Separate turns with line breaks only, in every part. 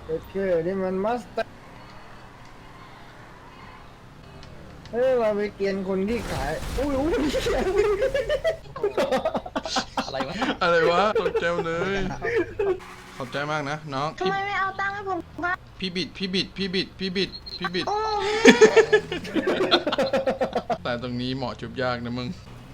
โอเคนี่มันมัสเตอร์เฮ้ยเราไปเกียนคนที่ขายอุ้ย
อะไรวะ
อะไรวะตกใจเลยขอบใจมากนะน้อง
ทำไมไม่เอาตังค์ให้ผมบ้าง
พี่บิดแต่ตรงนี้เหมาะจุบยากนะมึง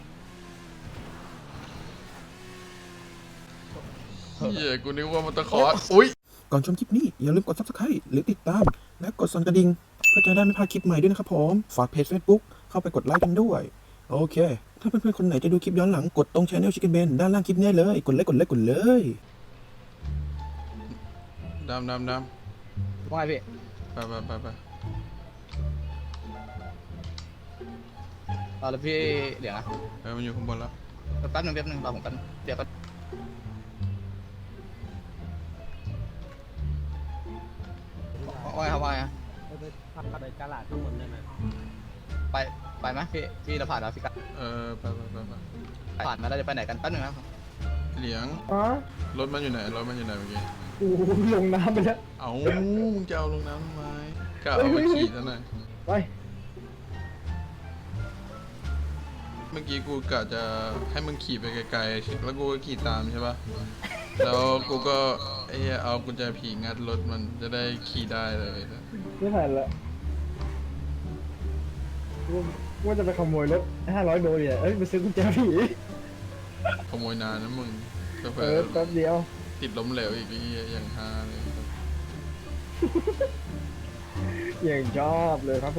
เฮียกูนึกว่ามันตะขออุ้ย
ก่อนชมคลิปนี้อย่าลืมกด subscribe หรือติดตาม และกดสั่นกระดิ่งเพื่อจะได้ไม่พลาดคลิปใหม่ด้วยนะครับผม ฝากเพจ Facebook เข้าไปกดไลค์กันด้วย โอเค ถ้าเพื่อนๆคนไหนจะดูคลิปย้อนหลังกดตรง Channel Chicken Ben ด้านล่างคลิปนี้เลย กดเลย
ดำ
ว่าไงพี่
ไป
เอาแล้วพี่เดี๋ยวนะ
มันอยู่ข้างบนแล้ว
แป๊บนึงรอผมกันเดี๋ยวก็ว่าไงครับว่าไง
ไปพักไปกาลาดทั้งหมดได้ไหม
ไปไหมพี่เราผ่านแล้วพี่กัน
ไป
ผ่านมาแล้วจะไปไหนกันแป๊บนึงนะครับ
เหลียง
อ๋อ
รถมันอยู่ไหนเมื่อกี้
กูลงน้ำไปแล้ว
เอามึงจะเอาลงน้ำทำไมกะเอามาขี่ซะหน่อย
ไป
เมื่อกี้กูกะจะให้มึงขี่ไปไกลๆแล้วกูก็ขี่ตามใช่ปะแล้วกูก็ไอ้เหี้ยเอากุญแจผีงัดรถมันจะได้ขี่ได้เลย
ไม่ทันละว่าจะไปขโมยรถ500 โดเนี่ยเอ้ยไปซื้อกุญแจผี
ขโมยนานนะมึงก็เผล
แป๊บเดียว
ติดล้มเหลวอีกไอ้เหี้ยอย่างฮาเลย
อย่างชอบเลยครับผม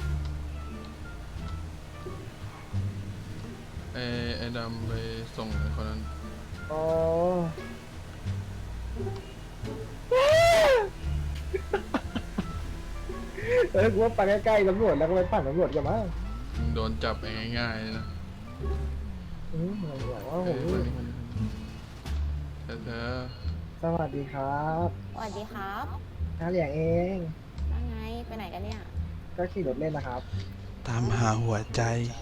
ไอ้ดำไปส่งไอ้คนนั้น
อ๋อกูว่าไปใกล้ๆตำรวจแล้วก็ไปปั่นตำรวจกันมั้ง
มึงโดนจับเองง่ายๆเลยนะ
ผมบอกว่า
เอ
ผม
อเธอ
สวัสดีครับ
สวัสดีครับ
น้าเหลียงเอง
ว่าไง ไปไหนกันเนี่ย
ก็ขี่รถเล่นนะครับ
ตามหาหัวใจ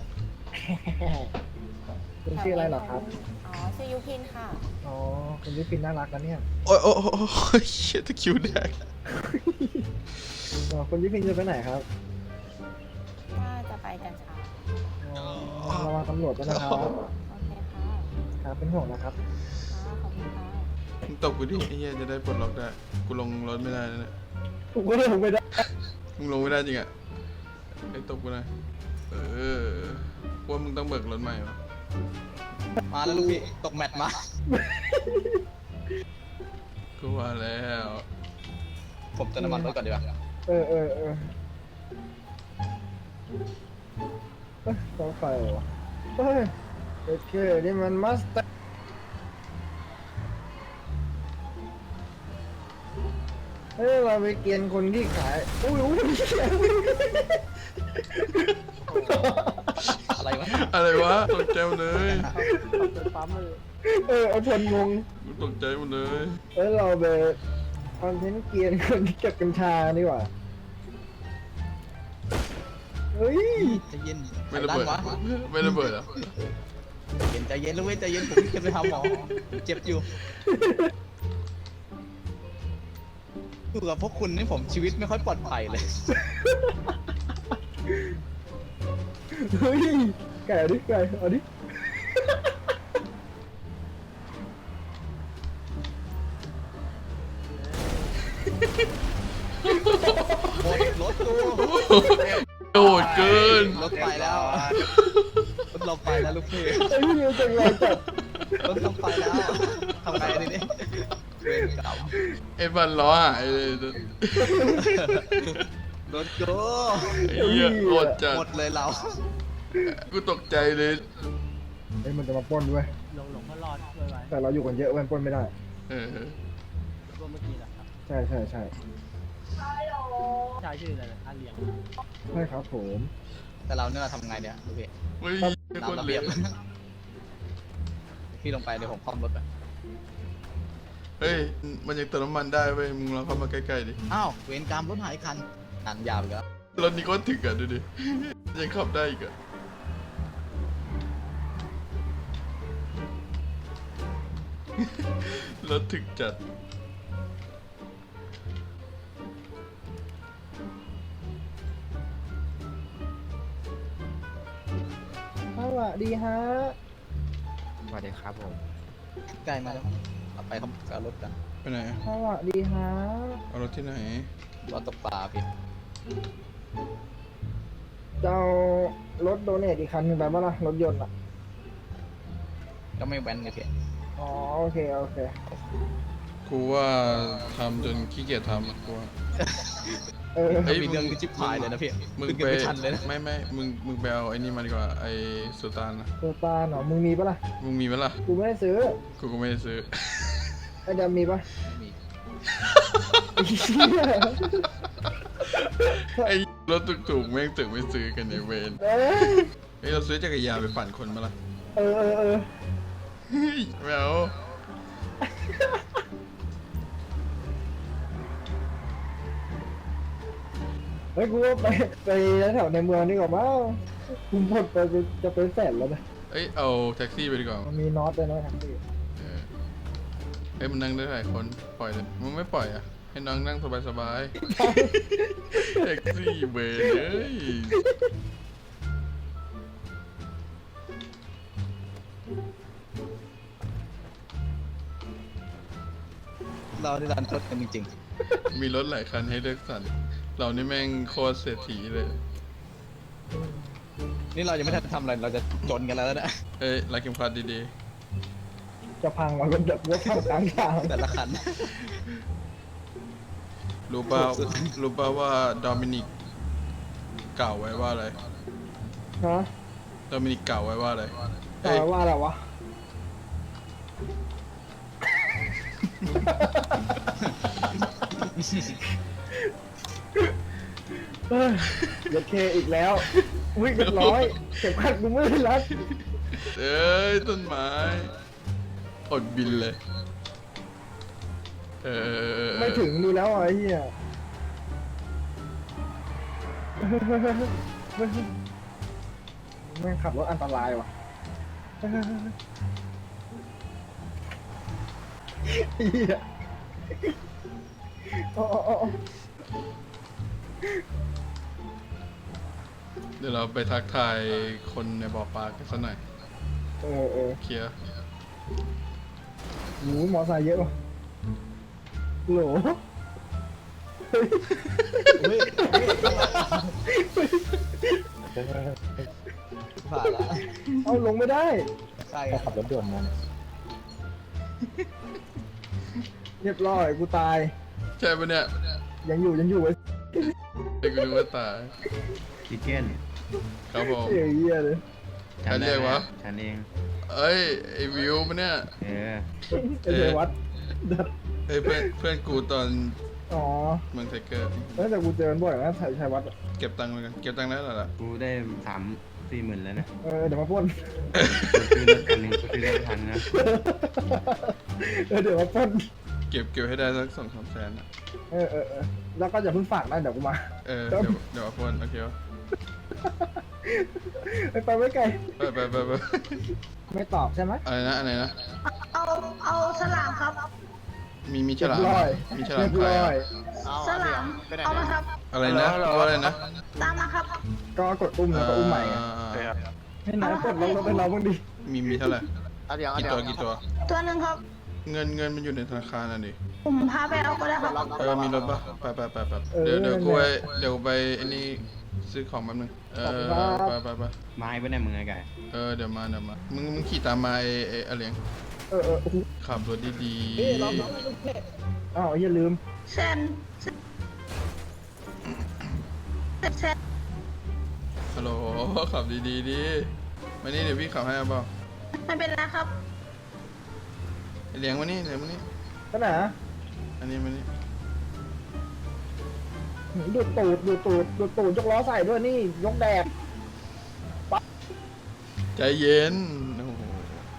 คุณชื่ออะไรเหรอครับ
อ๋อ ชื่อยุพินค่ะ
อ๋อคุณยุพินน่ารักนะเนี่ย
โอ้ยเชี่ยตะคริวแดก
อ๋อคุณยุพินจะไปไหนครับ
ว่าจะไปกันเช้า
อ๋อระวังตำรวจด้วยนะครับ
โอเคค่ะ
ครับเป็นห่วงนะครับ
ค่ะขอบคุณค่ะ
มึงตบกูดิไอ้เหี้ยจะได้ปลดล็อกได้กูลงรถไม่ได้นะเนี่ย
ผมก็เลยผมไม่ได้
มึงลงไม่ได้จริงอ่ะไอ้ตบกูหน่อยว่ามึงต้องเบิกรถใหม่วะ
มาแล้วลูกพี่ตกแมตช์มา
กูว่าแล้ว
ผมเติมน้ำมันรถก่อนดีกว่า
เออต้องไฟเหรอเฮ้ยโอเคนี่มันมัสเตอร์เฮ้ยเราไปเกียนคนที่ขายอุ้ย
อะไรวะ
ตกใจหมดเลย
เอาชนงง
กูตกใจหมดเลย
เฮ้ยเราไปคอนเทนต์เกียนคนที่เก็บกัญชาดีกว่าเฮ้ย
ใจเย็น
ไม่ระเบิด
วะ
ไม่ระเบิดเหรอ
ใจเย็นลูกเว้ยใจเย็นผมจะไปหาหมอเจ็บอยู่อยู่กับพวกคุณนี่ผมชีวิตไม่ค่อยปลอดภัยเลย
เฮ้ยไก่เอาดิไก่เอาดิ
หมดรถกู
โดดเกิน
รถไปแล้วรถเราไปแล้วลูกพี่
ไอ้พี่นิวจังไรจัด
รถเราไปแล้วทำไงดีเนี่ยเวรกรรม
ไอ้บันล้อหายเลย
รถกู
ไอ้เหี้ยโคตรจัด
หมดเลยเรา
กูตกใจเลย
เฮ้ยมันจะมาปล้นด้วย
หลงก็รอดช่วยไว้
แต่เราอยู่กันเยอะมันปล้นไม่ได้
เออ
ตัวเมื่อกี้แหละครับ
ใช่
ชายชื่ออะไรนะอาเหลียง
ใช่ครับผม
แต่เราเนี่ยทำไงเนี่ยลูกพี่
เฮ้ยโคตร
น้ำระ
เหล
เบียบ
ว
พี่ลงไปเดี๋ยวผมคล่อมรถไป
เฮ้ยมันยังเติมน้ำมันได้เว้ยมึงลองเข้ามาใกล้ๆดิ
อ้าวเวรกรรมรถหายคันนันยาวอีกแล้ว
รถนี้ก็ถึกอ่ะดูดิยังขับได้อีกอ่ะรถถึกจัด
วัสดีฮะ
สวัสดีครับผม
ใกล้มาแล้วเอาไปครับเอารถกัน
ไปไหน
สวัสดีฮะ
เอารถที่ไหน
รถตกปลาพี่
จะเอารถโดเนทอีกคันหนึงไปบ้างล่ะรถยนต์อ่ะ
ก็ไม่แว้นเลยพี่
อ๋อโอเคโอเค
กูว่าทำจนขี้เกียจทำอะกูว่า
เออ
เฮ้ย
มีเรื่องที่จิ๊บหายเลยนะพี่
มึง
ขึ้น
ไป
กันไม่ทันเลยนะ
ไม่มึงไปเอาไอ้นี่มาดีกว่าไอ้สุตานนะ
ตัวตาหนอมึงมีปะล่ะ
มึงมีไหมล่ะ
กูไม่ได้ซื้อ
กูก็ไม่ได้ซื้อ
ไอ้ดำมีปะ
ไม่มี
ไอ้รถถูกๆแม่งตึกไม่ซื้อกันในเวน
เอ้ย
เฮ้ยเราซื้อจักรยานไปปั่นคนมาล่ะ
เออเออเออ
เฮ้ยไม่เอา
เฮ้ยกูว่าไปแถวในเมืองนี่ก่อนมั้งกูหมดไปจะเป็นแสนแล้วนะ
เอ้ยเอาแท็กซี่ไปดีกว่า
มันมีน็อตด้วยนะครับพี่
เออเฮ้ยมันนั่งได้หลายคนปล่อยเลยมึงไม่ปล่อยอ่ะให้น้องนั่งสบายๆแท็กซี่เวนเอ้ย
เราได้รันทดกันจริง
มีรถหลายคันให้เลือกสรรเรานี่แม่งโคตรเศรษฐีเลย
ๆ นี่เรายังไม่ทันทำอะไรเราจะจนกันแล้วนะ
เอ้ยรักเข็มขัดดี
จะพังมันเป็นแบบรถพังกลางทาง
แต่ละคัน
ๆรู้เปล่า
สุด
รู้เปล่าว่าโดมินิกกล่าวไว้ว่าอะไร
ฮะ
โดมินิกกล่าวไว้ว่าอะไร
ต่
เอ้ย
อว่าอะไรวะ เฮ้ยรถเคอีกแล้ววิ่งเรียบร้อยเข็มขัดกูไม่ได้รัด
เอ้ยต้นไม้อดบินเลยเออ
ไม่ถึงดูแล้วอ่ะไอ้เหี้ยแม่งขับรถอันตรายว่ะเหี้ยโอ้โอ้โอ้
เดี๋ยวเราไปทักทายคนในบ่อปลากันสักหน่อย
เออ
เคลียร์
หมูมอไซค์เยอะว่ะโหล
เฮ้ยผ่านละ
เอาลงไม่ได้
ใช่
ขับรถด่วนมา
เรียบร้อยกูตาย
ใช่ปะเนี่ย
ยังอยู่ไอ้
ไอ้กูนึกว่าตาย
คิเก้น
ครับผม
เหี้ยเลย
ใครเรียกวะ
ฉันเอง
เอ้ยไอ้วิวปะเนี่ย
เออ
ไอ้เทวัดดัด
เอ้ยเพื่อนกูตอน
อ๋อ
เมืองไทเกอร์
แต่กูเจอมันบ่อยนะชัยวัดอะ
เก็บตังค์ไว้กันเก็บตังค์ได้แล้วล่ะ
กูได้3-4 หมื่นแล้วนะ
เดี๋ยวมาปล้น
กูซื้อรถคันหนึ่งกูซื้อได้ทันนะ
เดี๋ยวมาปล้น
เก็บให้ได้สัก2-3 แสนอะ
แล้วก็อย่าเพิ่งฝากนะเดี๋ยวกูมา
เดี๋ยวเอาคนโอเควะ
ไปไม่ไกล
ไป
ไม่ตอบใช่ไหม
อะไรนะ
เอาฉลามครับ
มีฉลาม
เรียบร้อย
มีฉลาม
เรียบ
ใคร
ร้อย
อะ
ฉลาม เอามาครับ
อะไรนะว่าอะไรนะ
ตามมาครับ
ก็กดอุ้มแล้วก็อุ้มใหม่ไง ให้นายปลดล็อกรถให้เราบ้างดิ
มีเท่าไหร่กี่ตัว
ตัวหนึ่งครับ
เงินมันอยู่ในธนาคารน่ะดิ
ผมพาไปเอาก็ได้ครับ
มีรถปะไปเดี๋ยวกูไปอันนี้ซื้อของแป๊บนึงไป
ไม้ไว้เนี่ยมึงไงไก่
เดี๋ยวมามึงขี่ตามมาไอ้อเลียง
โอ้โห
ขับรถดี
อ้าวอย่าลืม
เซน
ๆฮัลโหลขับดีดิมานี่เดี๋ยวพี่ขับให้เอาเปล่า
ไม่เป็นไรครับ
ไอ้เลียงมานี่
ก็ไหน
อันนี้มานี่
ดูดตูดยกล้อใส่ด้วยนี่ยกแดก
ใจเย็นโอ้โห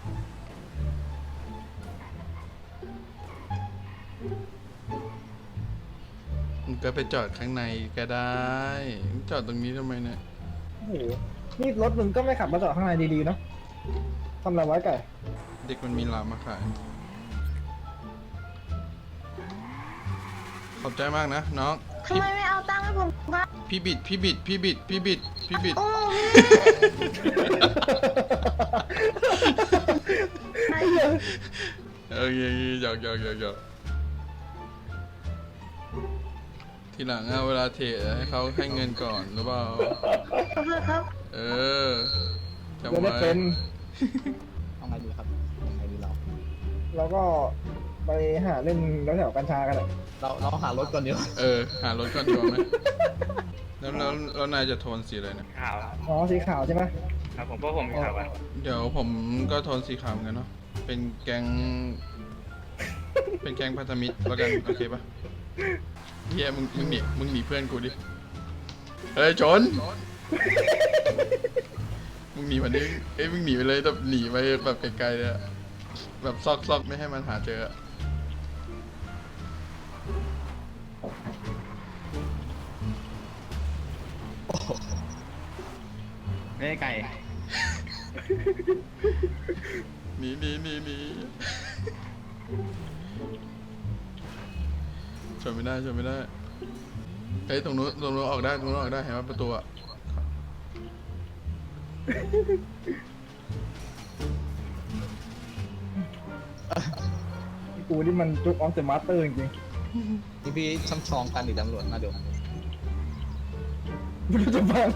มึงก็ไปจอดข้างในก็ได้มึงจอดตรงนี้ทำไมเนี่ย
โอ้โหนี่รถมึงก็ไม่ขับมาจอดข้างในดีๆเนาะทำอะไรไว้ไก่
เด็กมันมีลามมาขาย ขอบใจมากนะน้อง
ทำไมไม่เอาตังค์ผมครับ
พี่บิด
โอ้
ไอ้เหี้ย
โอเคหยอกทีหลังอะเวลาเทรดให้เขาให้เงินก่อนหรือเปล่า
ขอโทษครับ
เออจำ
จะได้
ไว้
เป็น
เอาไงดีครับเอาไงดีเรา
เราก็ไปหาเล่นแถวๆกัญชากันอะ
เราหารถก่อนดีกว่า
หารถก่อนดีกว่าไหมแล้วนายจะโทนสีอะไรเนี่ย
ขาว
อ๋อสีขาวใช่ไหม
ครับผมเพราะผมขาวอ่ะ
เดี๋ยวผมก็โทนสีขาวเหมือนกันเนาะเป็นแก๊งพันธมิตรแล้วกันโอเคปะเฮียมึงหนีเพื่อนกูดิเฮ้ยชนมึงหนีมันดิมึงหนีไปเลยแบบหนีไปแบบไกลๆเลยอะแบบซอกไม่ให้มันหาเจออะ
ไม่ได้ไก่
หนีชนไม่ได้เฮ้ยตรงนู้นออกได้เห็นว่าประตูอะ
กูนี่มันจุกออฟเดอะมาสเตอร์จริง
นี่พี่ช่ำชองกันหรือตำรวจมาเดี๋ยว
ๆไม่รู้จะฟัง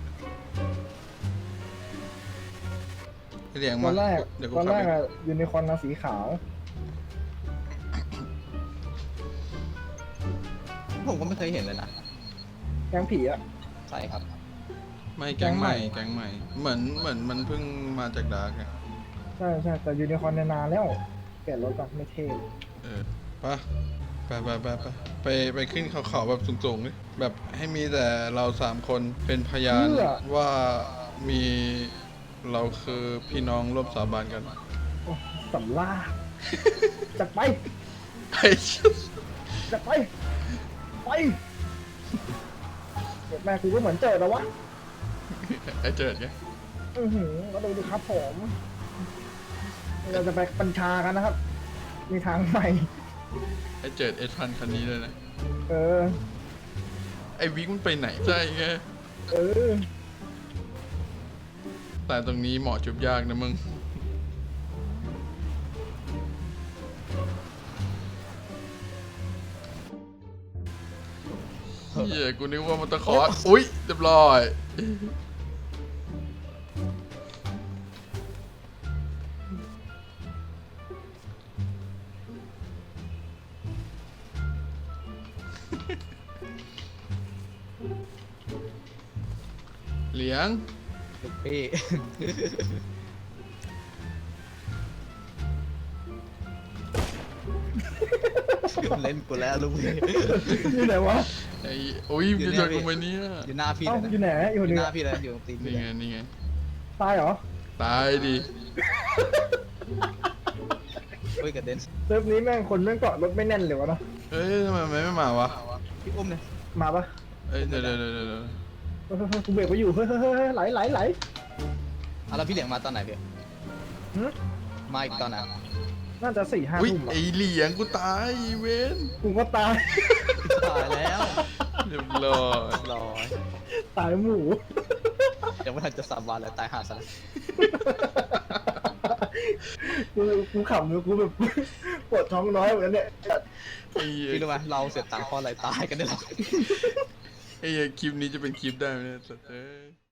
เรียง
ต
มา
อนแรก
เดี๋ยวกู
ตอน
ขับ
แรก
ไป
อะยูนิคอร์นสีขาว
ผมก็ไม่เคยเห็นเลยนะ
แกงผีอะ
ใช่ครับ
ไม่แก๊งใหม่เหมือนมันเพิ่งมาจากดาร์กอะ
ใช่แต่ยูนิคอร์นนานแล้วเปลี่ยนรถก่อนไม่เท่
ไปขึ้นเขาแบบสูงๆเลยแบบให้มีแต่เรา3 คนเป็นพยานว่ามีเราคือพี่น้องร่วมสาบานกัน
โอ้สำล่าจัดไป
ไอ้
จัดไปเด็กแม่กูก็เหมือนเจอแล้ววะ
เจิดไง
ก็ดูดิครับผมเราจะไปบัญชากันนะครับ มีทางใหม่
ไอ้เจิดS1000คันนี้เลยนะ
เออ
ไอ้วิกมันไปไหนใช่ไง
เออ
แต่ตรงนี้เหมาะจุบยากนะมึงเฮียกูนึกว่ามันตะขออุ๊ยเรียบร้อยเหลียง
ลูกพี่ เล่นกูแล้วลูกพี่
อยู่ไหนวะ
ไอ้โอ้ยมึงจะชวนกูไปเนี่ย
อยู่หน้าพี่
เอ้า
เลยนะ
อยู่ไหนอยู่
อยู่
นี่
หน้าพี่เลยอยู่ตรงตีนพี่
นี่ไง
ตายเหรอ
ตายดิ
เฮ้ยกระเด็น
เซิร์ฟนี้แม่งคนแม่งเกาะรถไม่แน่นเลยวะเนาะ
เอ้ยทำไมไม่มาวะ
พี่อุ้มเนี่ย
มาปะ
เอ้ยเดี๋ยว
เฮ้ยกูเบรกไปอยู่เฮ้ยไหล
เอาแล้วพี่เหลียงมาตอนไหนพี่
หึ
มาอีกตอนไหน
น่าจะ4-5
อุ้ย
ทุ่มอะ
ไอเหลียงกูตายอีเวน
กูก็ตาย
ตายแล้ว
เรียบร้อย
รอย
ตายหมู
ยังไม่ทันจะสาบานเลยตายห่าซะแล้ว
กูขำเลยกูแบบ ปวดท้องน้อยเหมือนกันเนี่ย
ไอ้เหี้ย
พี่รู้ไหมเราเสียตังค์เพราะอะไรตายกันได้หรอ
ไอ้เหี้ยคลิปนี้จะเป็นคลิปได้ไหมเนี่ยสัตว์เอ้ย